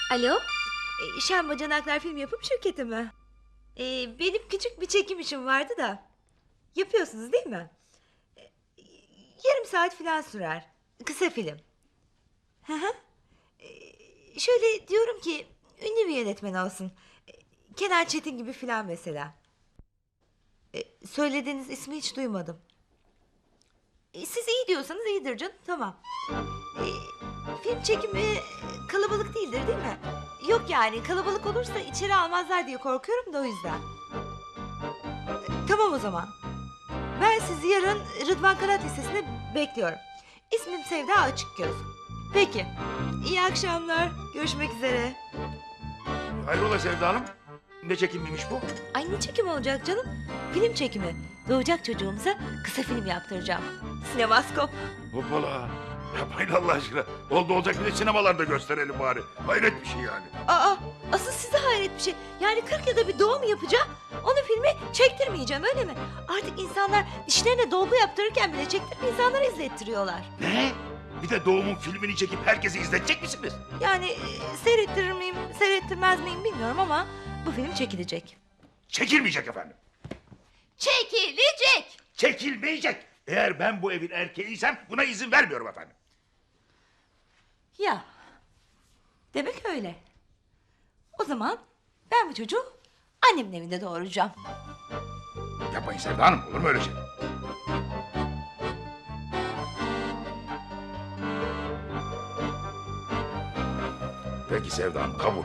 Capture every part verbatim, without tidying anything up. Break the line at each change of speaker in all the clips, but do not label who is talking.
Alo, e, Şen Bacanaklar Film Yapım Şirketi mi? E, benim küçük bir çekim işim vardı da. Yapıyorsunuz değil mi? E, yarım saat falan sürer. Kısa film. Hı hı. E, şöyle diyorum ki ünlü bir yönetmen olsun. E, Kenan Çetin gibi falan mesela. E, söylediğiniz ismi hiç duymadım. E, siz iyi diyorsanız iyidir canım, tamam. E, film çekimi e, kalabalık değildir değil mi? Yok yani kalabalık olursa içeri almazlar diye korkuyorum da o yüzden. E, tamam o zaman. Ben sizi yarın Rıdvan Kanat Lisesi'nde bekliyorum. İsmim Sevda Açıkgöz. Peki. İyi akşamlar. Görüşmek üzere.
Hayrola Sevda Hanım? Ne çekimiymiş bu?
Ay ne çekim olacak canım? Film çekimi. Doğacak çocuğumuza kısa film yaptıracağım. Sinemaskop.
Hoppala. Yapmayın Allah aşkına. Oldu olacak bir de sinemalarda gösterelim bari. Hayret bir şey yani.
Aa, asıl size hayret bir şey. Yani kırk yılda bir doğum yapacağım. Onu filmi çektirmeyeceğim öyle mi? Artık insanlar dişlerine dolgu yaptırırken bile çektirip insanlara izlettiriyorlar.
Ne? Bir de doğumun filmini çekip herkesi izletecek misiniz?
Yani e, seyrettirir miyim, seyrettirmez miyim bilmiyorum ama bu film çekilecek.
Çekilmeyecek efendim.
Çekilecek.
Çekilmeyecek. Eğer ben bu evin erkeğiysem buna izin vermiyorum efendim.
Ya, demek öyle. O zaman ben bu çocuğu annemin evinde doğuracağım.
Yapmayın Sevda Hanım. Olur mu öyle şey? Peki Sevda Hanım, kabul.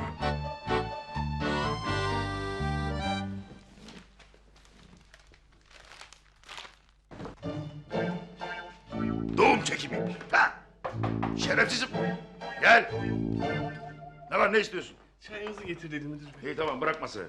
Doğum çekimiymiş. Ha! Şerefsizim. Gel. Ne var, ne istiyorsun?
Çayınızı getirdim müdür bey.
İyi tamam, bırak masayı.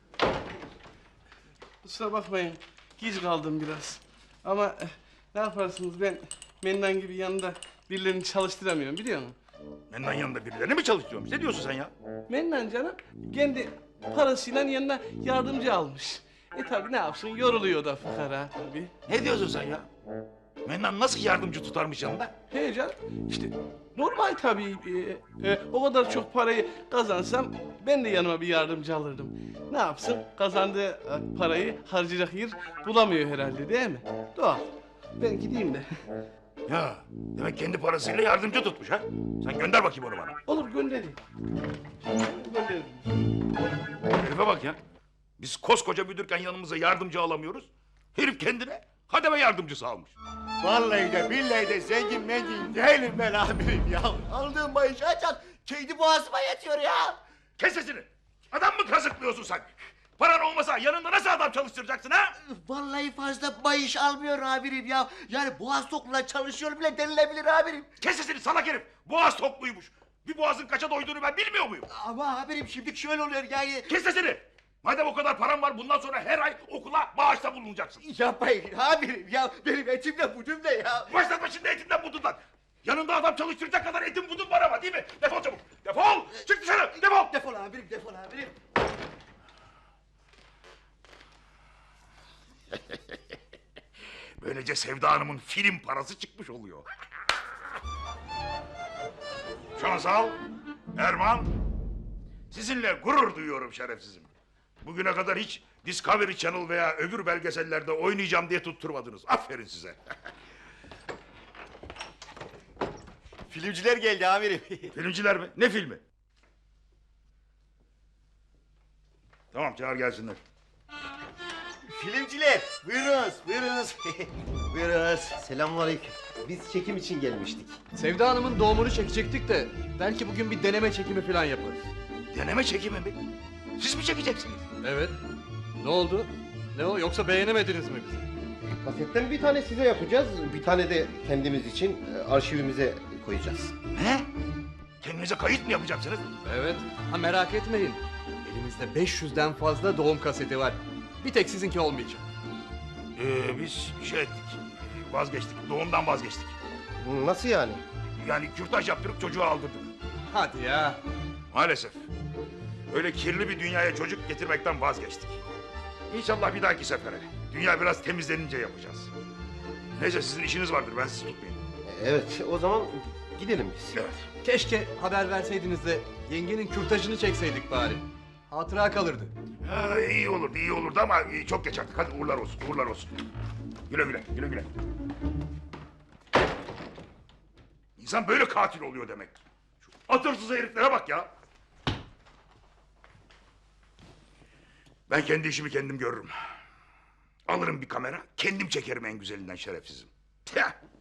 Kusura bakmayın, geç kaldım biraz. Ama eh, ne yaparsınız, ben Mennan gibi yanında birilerini çalıştıramıyorum biliyor musun?
Mennan yanında birilerini mi çalıştırıyormuş? Ne diyorsun sen ya?
Mennan canım kendi parasıyla yanına yardımcı almış. E tabi ne yapsın, yoruluyor da fukara tabi.
Ne diyorsun sen ya? Mennan nasıl yardımcı tutarmış yanında?
He canım, işte normal tabii. E, e, o kadar çok parayı kazansam ben de yanıma bir yardımcı alırdım. Ne yapsın, kazandığı e, parayı harcayacak yer bulamıyor herhalde değil mi? Doğal. Ben gideyim de.
Ya demek kendi parasıyla yardımcı tutmuş ha? Sen gönder bakayım onu bana.
Olur göndereyim. Gönderirim.
Herife bak ya. Biz koskoca müdürken yanımıza yardımcı alamıyoruz. Herif kendine hademe yardımcısı almış.
Vallahi de billahi de zengin mengin değilim ben amirim ya. Aldığım maaşı açar, keydi boğazıma yetiyor ya.
Kes sesini. Adam mı kazıklıyorsun sen? Paran olmasa yanında nasıl adam çalıştıracaksın ha?
Vallahi fazla maaş almıyor amirim ya. Yani boğaz tokluğuna çalışıyor bile denilebilir amirim.
Kes sesini salak herif. Boğaz tokluymuş. Bir boğazın kaça doyduğunu ben bilmiyor muyum?
Ama amirim şimdi şöyle oluyor yani.
Kes sesini. Madem o kadar param var bundan sonra her ay okula bağışta bulunacaksın.
Yapmayın amirim ya. Benim etim de budum da ya.
Başlatma şimdi etinden budundan. Yanında adam çalıştıracak kadar etin budun var ama değil mi? Defol çabuk. Defol. Çık dışarı. Defol.
Defol amirim, defol amirim.
Böylece Sevda Hanım'ın film parası çıkmış oluyor. Şansal, Erman, sizinle gurur duyuyorum şerefsizim. Bugüne kadar hiç Discovery Channel veya öbür belgesellerde oynayacağım diye tutturmadınız. Aferin size.
Filmciler geldi amirim.
Filmciler mi? Ne filmi? Tamam çağır gelsinler.
Filmciler, buyurunuz, buyurunuz. Buyurunuz. Selamünaleyküm. Biz çekim için gelmiştik.
Sevda Hanım'ın doğumunu çekecektik de belki bugün bir deneme çekimi falan yaparız.
Deneme çekimi mi? Siz mi çekeceksiniz?
Evet. Ne oldu? Ne o? Yoksa beğenemediniz mi bizi?
Kasetten bir tane size yapacağız, bir tane de kendimiz için e, arşivimize koyacağız.
Ne? Kendinize kayıt mı yapacaksınız?
Evet. Ha merak etmeyin. Elimizde beş yüzden fazla doğum kaseti var. Bir tek sizinki olmayacak.
Ee, biz şey ettik, vazgeçtik, doğumdan vazgeçtik.
Nasıl yani?
Yani kürtaj yaptırıp çocuğu aldırdık.
Hadi ya.
Maalesef. Öyle kirli bir dünyaya çocuk getirmekten vazgeçtik. İnşallah bir dahaki sefere. Dünya biraz temizlenince yapacağız. Neyse sizin işiniz vardır, ben sizi tutmayayım.
Evet, o zaman Gidelim biz.
Evet.
Keşke haber verseydiniz de yengenin kürtajını çekseydik bari. Hatıra kalırdı.
Ha, iyi olurdu, iyi olurdu ama e, çok geç artık. Hadi uğurlar olsun, uğurlar olsun. Güle güle, güle güle. İnsan böyle katil oluyor demek. Şu atırsız heriflere bak ya. Ben kendi işimi kendim görürüm. Alırım bir kamera, kendim çekerim en güzelinden şerefsizim. Tüh!